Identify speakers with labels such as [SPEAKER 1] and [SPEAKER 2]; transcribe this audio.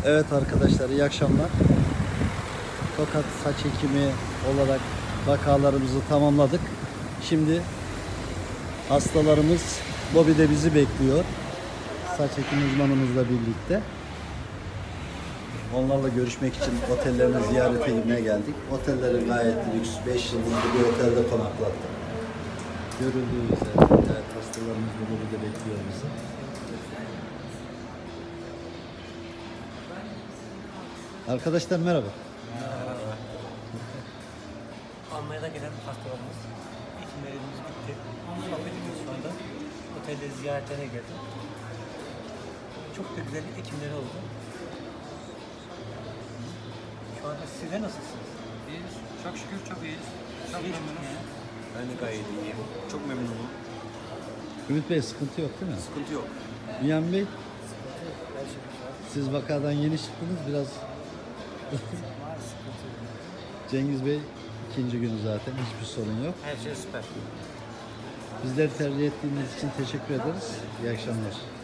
[SPEAKER 1] Evet arkadaşlar, iyi akşamlar. Tokat saç ekimi olarak vakalarımızı tamamladık. Şimdi hastalarımız lobide bizi bekliyor. Saç ekimi uzmanımızla birlikte. Onlarla görüşmek için otellerini ziyarete gitmeye geldik. Otelleri gayet lüks, 5 yıldızlı bir otelde konaklattık. Görüldüğü üzere evet, hastalarımız da lobide bekliyor bizi. Arkadaşlar merhaba.
[SPEAKER 2] Almanya'da gelen hastalarımız, hekimlerimiz bitti. Sohbet ediyoruz şu anda. Otelde ziyaretlerine geldim. Çok da güzel hekimleri oldu. Şu anda sizler nasılsınız?
[SPEAKER 3] İyiyiz. Çok şükür çok iyiyiz. Çok
[SPEAKER 2] İyi.
[SPEAKER 3] memnunum.
[SPEAKER 4] Ben de gayet iyiyim. Çok memnunum.
[SPEAKER 1] Ümit Bey, sıkıntı yok değil mi?
[SPEAKER 4] Sıkıntı yok.
[SPEAKER 1] Bünyamin Bey, siz vakadan yeni çıktınız biraz. Cengiz Bey ikinci günü zaten, hiçbir sorun yok.
[SPEAKER 2] Her şey süper.
[SPEAKER 1] Bizleri tercih ettiğiniz için teşekkür ederiz. İyi akşamlar.